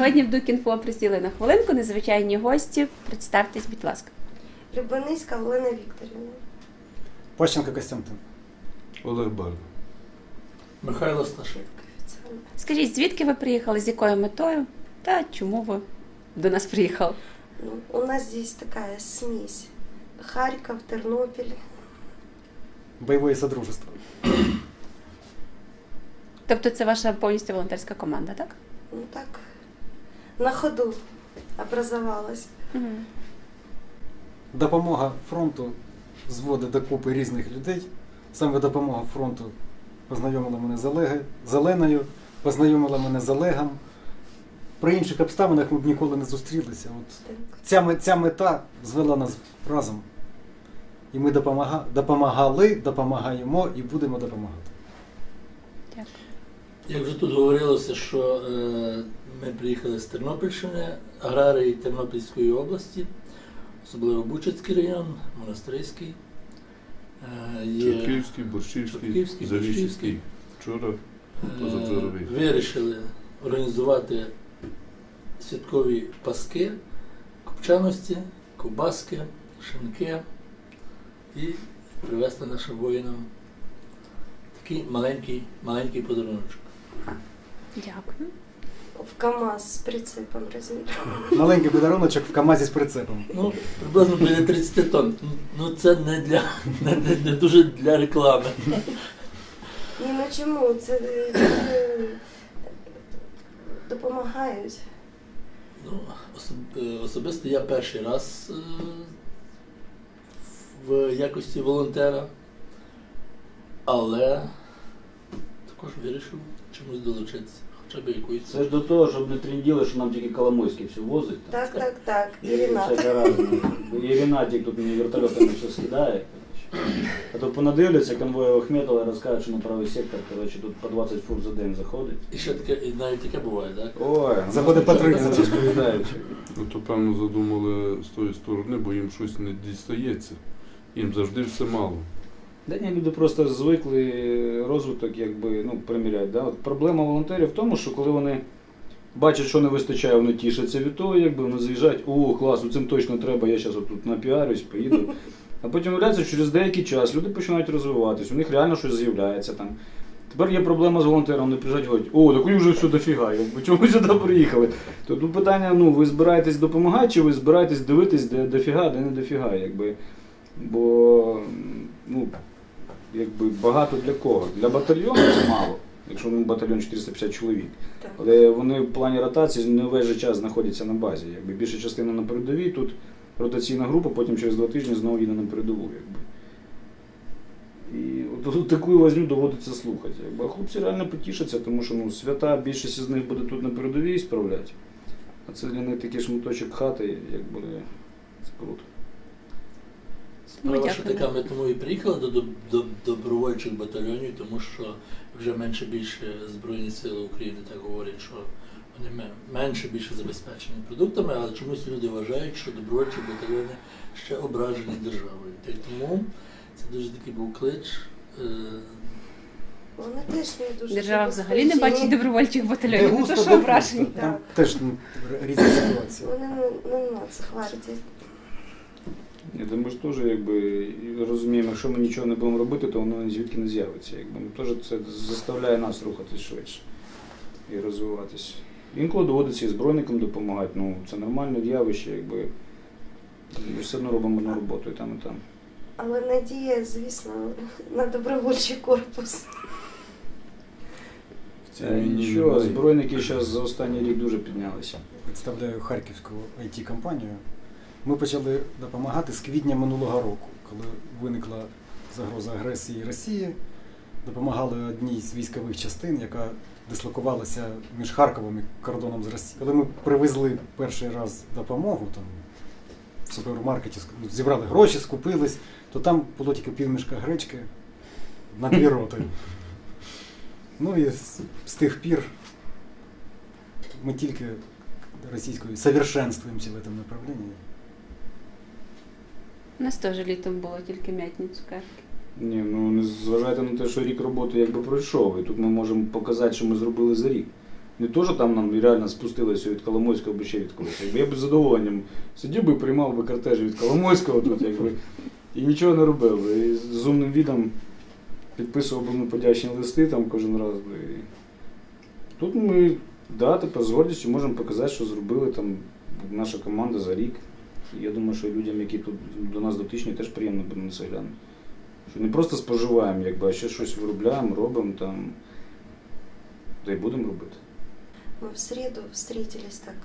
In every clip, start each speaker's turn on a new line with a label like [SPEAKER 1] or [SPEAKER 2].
[SPEAKER 1] Сьогодні в Дукінфо присіли на хвилинку незвичайні гості. Представтесь, будь ласка.
[SPEAKER 2] Любаницька Олена Вікторівна.
[SPEAKER 3] Пащенко Костянтин.
[SPEAKER 4] Олег Барна.
[SPEAKER 5] Михайло Сташик.
[SPEAKER 1] Скажіть, звідки ви приїхали, з якою метою та чому ви до нас приїхали?
[SPEAKER 2] Ну, у нас здесь такая смесь. Харьков, Тернопіль.
[SPEAKER 3] Бойове содружество.
[SPEAKER 1] Тобто це ваша повністю волонтерська команда, так?
[SPEAKER 2] Ну так, на ходу образовалась.
[SPEAKER 1] Угу.
[SPEAKER 3] Допомога фронту зводить докупи різних людей. Саме допомога фронту познайомила мене з Оленою, познайомила мене з Олегом. При інших обставинах ми б ніколи не зустрілися. От ця мета звела нас разом. І ми допомагали, допомагаємо і будемо допомагати.
[SPEAKER 1] Дякую.
[SPEAKER 5] Як вже тут говорилося, що ми приїхали з Тернопільщини, аграрії Тернопільської області, особливо Бучацький район, Монастирський.
[SPEAKER 4] Чортківський, Борщівський, Заліщицький. Вчора, позавчора
[SPEAKER 5] вирішили організувати святкові паски, копчаності, ковбаски, шинки і привезти нашим воїнам такий маленький подаруночок.
[SPEAKER 1] Дякую.
[SPEAKER 2] В КАМАЗ з прицепом розміром.
[SPEAKER 3] Маленький подаруночок в КАМАЗі з прицепом.
[SPEAKER 5] Ну, приблизно біля 30 тонн. Ну, це не дуже для реклами.
[SPEAKER 2] Ні, ну чому? Це допомагають.
[SPEAKER 5] Ну, особисто я перший раз в якості волонтера, але також вирішив чомусь долучитися, хоча б якоюсь.
[SPEAKER 6] Це ж до того, щоб не тренділи, що нам тільки Коломойський все возить.
[SPEAKER 2] Так. І Ренат.
[SPEAKER 6] І Ренатик тут мені вертольотами все скидає. А то понадивляться конвою Ахметова і розкажуть, що на правий сектор, коротше, тут по 20 фур за день заходить.
[SPEAKER 5] І ще таке, і навіть таке буває, так?
[SPEAKER 6] Ой,
[SPEAKER 3] заходить по 30.
[SPEAKER 6] Розповідають.
[SPEAKER 4] Ну, то, певно, задумали з тої сторони, бо їм щось не дістається. Їм завжди все мало.
[SPEAKER 6] Да ні, люди просто звикли розвиток, якби, ну, приміряють. Да? От проблема волонтерів в тому, що коли вони бачать, що не вистачає, вони тішаться від того, якби вони заїжджають, о, клас, цим точно треба, я зараз тут напіарюсь, поїду. А потім виявляється, що через деякий час люди починають розвиватись, у них реально щось з'являється там. Тепер є проблема з волонтером, вони приїжджають і говорять, о, так вже все дофіга, якби чому ви сюди приїхали? То тут питання, ну, ви збираєтесь допомагати, чи ви збираєтесь дивитись, де дофіга, де не дофіга, якби. Бо, ну, якби багато для кого? Для батальйону це мало, якщо батальйон 450 чоловік.
[SPEAKER 2] Так.
[SPEAKER 6] Але вони в плані ротації не весь же час знаходяться на базі. Якби більша частина на передовій, тут ротаційна група, потім через 2 тижні знову їде на передову. Якби. І от таку возню доводиться слухати. Якби. А хлопці реально потішаться, тому що, ну, свята, більшість з них буде тут на передовій справляти. А це для них такий шматочок хати, як буде, це круто.
[SPEAKER 5] Справа, що така, ми тому і приїхали до добровольчих батальйонів, тому що вже менше-більше Збройні Сили України так говорять, що вони менше-більше забезпечені продуктами, але чомусь люди вважають, що добровольчі батальйони ще ображені державою. Та й тому це дуже такий був клич.
[SPEAKER 2] Вони теж не дуже.
[SPEAKER 1] Держава взагалі не бачить добровольчих батальйонів, не то що ображені.
[SPEAKER 3] Там теж різні ситуації.
[SPEAKER 2] Вони не на це хватить.
[SPEAKER 6] Я думаю, що теж, якби, розуміємо, якщо ми нічого не будемо робити, то воно звідки не з'явиться. Якби. Ну, теж це заставляє нас рухатись швидше і розвиватися. Інколи доводиться і збройникам допомагати, ну, це нормальне явище, якби. Ми все одно робимо одну роботу і там, і там.
[SPEAKER 2] Але надія, звісно, на добровольчий корпус.
[SPEAKER 6] Нічого, збройники зараз за останній рік дуже піднялися.
[SPEAKER 3] Представляю Харківську IT-компанію. Ми почали допомагати з квітня минулого року, коли виникла загроза агресії Росії. Допомагали одній з військових частин, яка дислокувалася між Харковом і кордоном з Росією. Коли ми привезли перший раз допомогу, там, в супермаркеті зібрали гроші, скупились, то там було тільки півмішка гречки на 2 роти. Ну і з тих пір ми тільки російською совершенствуємося в цьому направленні.
[SPEAKER 1] У нас теж літом було тільки м'ятні цукерки.
[SPEAKER 6] Ні, ну не зважайте на те, що рік роботи якби пройшов, і тут ми можемо показати, що ми зробили за рік. Не то, що там нам реально спустилося від Коломойського або ще від когось. Якби я б з задоволенням сидів би, приймав би кортежі від Коломойського тут, якби, і нічого не робив би. І з умним відом підписував би подячні листи там кожен раз. І тут ми, тепер з гордістю можемо показати, що зробили там наша команда за рік. І я думаю, що людям, які тут до нас дотичні, теж приємно буде на це глянути. Що не просто споживаємо, якби, а ще щось виробляємо, робимо там, та й будемо робити.
[SPEAKER 2] Мы в среду встретились так,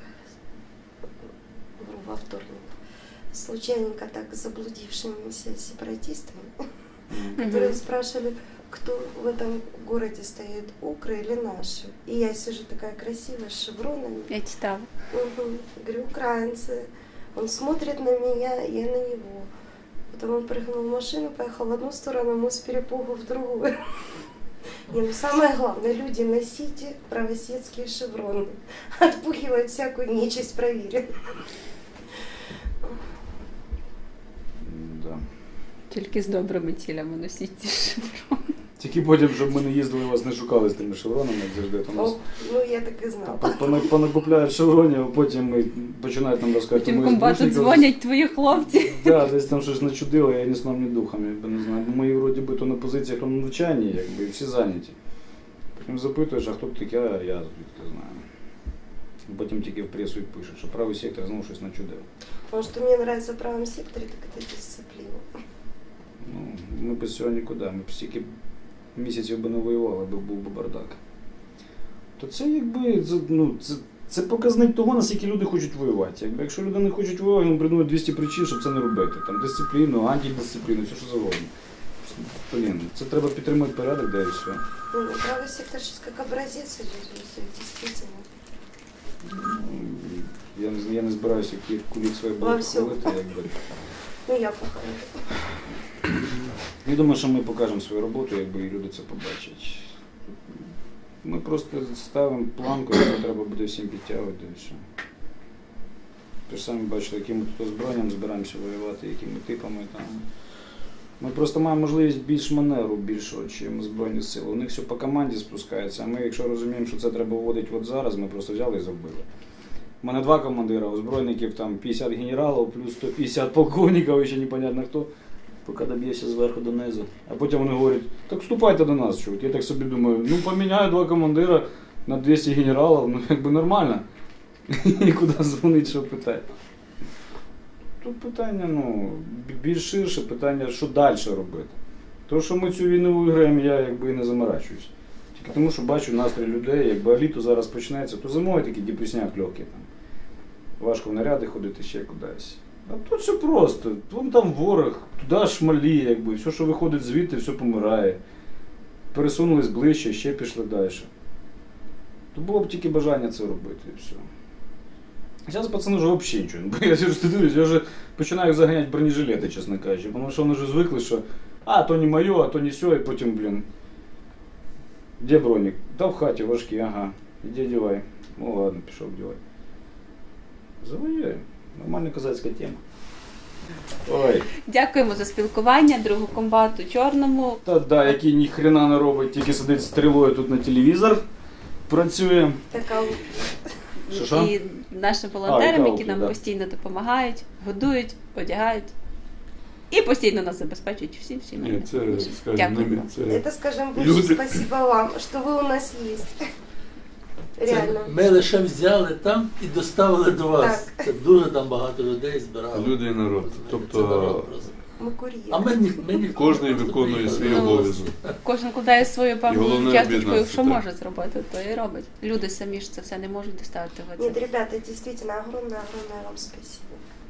[SPEAKER 2] во вторник, случайненько так с заблудившимися сепаратистами, которые спрашивали, кто в этом городе стоит, укры или наши. И я сижу такая красивая, с шевронами.
[SPEAKER 1] Я читала.
[SPEAKER 2] Говорю, украинцы. Он смотрит на меня, я на него. Потом он прыгнул в машину, поехал в одну сторону, мы с перепугу в другую. И самое главное, люди, носите правосветские шевроны. Отпугивают всякую нечисть, проверен.
[SPEAKER 6] Да.
[SPEAKER 1] Тільки з добрими цілями носіть ці шеврони.
[SPEAKER 6] Тільки потім, щоб ми не їздили, вас не шукали з тими шевронами, як завжди. То нас
[SPEAKER 2] Ну, я так і знала.
[SPEAKER 6] понакупляють шевронів, а потім починають нам розказувати.
[SPEAKER 1] Потім комбату дзвонять твої хлопці.
[SPEAKER 6] Так, десь там щось начудило, я ні сном, ні духом, якби не знаю. Бо ми вроді би то на позиціях на навчанні, якби, і всі зайняті. Потім запитуєш, а хто ти такий, а я звідки знаю. Потім тільки в пресу і пишуть, що правий сектор знову щось начудив.
[SPEAKER 2] Потому что мне нравится в правом секторе, так это дисциплина.
[SPEAKER 6] Ну, ми без цього нікуди, ми б стільки місяців би не воювали, аби був би бардак. То це якби, це показник того, наскільки люди хочуть воювати. Якби, якщо люди не хочуть воювати, вони придумають 200 причин, щоб це не робити. Там дисципліну, антидисципліну, все що завгодно. Блін, це треба підтримати порядок, да і все.
[SPEAKER 2] Ну, правый сектор сейчас как образец идет, действительно.
[SPEAKER 6] Я не збираюся кулік своє було хвалити, якби.
[SPEAKER 2] Ну, я покажу.
[SPEAKER 6] Я думаю, що ми покажемо свою роботу, якби і люди це побачать. Ми просто ставимо планку, яку треба буде всім підтягувати, і все. Ви ж самі бачили, яким ми тут озброєнням збираємося воювати, якими типами там. Ми просто маємо можливість більш маневру більшого, чим Збройні Сили. У них все по команді спускається, а ми, якщо розуміємо, що це треба вводити от зараз, ми просто взяли і зробили. У мене 2 командира, озброєнників там 50 генералів, плюс 150 полковників, і ще непонятно хто. Поки доб'єшся зверху донизу. А потім вони говорять, так вступайте до нас, чувак. Я так собі думаю, ну поміняю 2 командира на 200 генералів, ну якби нормально. І куди дзвонить, що питає. Тут питання, більш ширше, питання, що далі робити. То, що ми цю війну виграємо, я якби і не заморачуюсь. Тільки тому, що бачу настрій людей, якби літо зараз почнеться, то зимою такі депресняк легкі. Важко в наряди ходити ще кудись. А тут все просто. Вон там ворог, туди шмалі, якби, все, що виходить звідти, все помирає. Пересунулись ближче, ще пішли далі. То було б тільки бажання це робити, і все. Зараз пацани вже взагалі нічого. Бо я дивлюсь, я вже починаю заганяти бронежилети, чесно кажучи. Тому що вони вже звикли, що то не моє, а то не сьо, і потім, де бронік? Та в хаті важкий, ага. Іди одівай. Ну ладно, пішов одівай. Завоюємо. Нормальна козацька тема. Ой.
[SPEAKER 1] Дякуємо за спілкування, другу комбату Чорному.
[SPEAKER 6] Та який ні хрена не робить, тільки сидить стрілою тут на телевізор, працює.
[SPEAKER 2] Така
[SPEAKER 6] Що?
[SPEAKER 1] І нашим волонтерам, які нам
[SPEAKER 6] да.
[SPEAKER 1] постійно допомагають, годують, одягають і постійно нас забезпечують всім.
[SPEAKER 4] Ні, це, скажімо,
[SPEAKER 1] Дякую.
[SPEAKER 2] Это, скажем, больше
[SPEAKER 4] Люди.
[SPEAKER 2] спасибо вам, что вы у нас есть. Реально.
[SPEAKER 5] Ми лише взяли там і доставили до вас.
[SPEAKER 2] Так.
[SPEAKER 5] Це дуже там багато людей збирали.
[SPEAKER 4] люди і народ.
[SPEAKER 5] Це
[SPEAKER 4] Тобто
[SPEAKER 5] народ просто.
[SPEAKER 2] Мы курьеры.
[SPEAKER 5] А ми ні.
[SPEAKER 4] кожен виконує свій
[SPEAKER 1] Ну,
[SPEAKER 4] обов'язок.
[SPEAKER 1] Кожен кладає свою
[SPEAKER 4] І
[SPEAKER 1] певну
[SPEAKER 4] головне
[SPEAKER 1] часточку,
[SPEAKER 4] об'єднатися,
[SPEAKER 1] що
[SPEAKER 4] так.
[SPEAKER 1] може зробити, то і робить. Люди самі ж це все не можуть доставити в
[SPEAKER 2] Нет,
[SPEAKER 1] це.
[SPEAKER 2] ребята, действительно, огромное вам спасибо.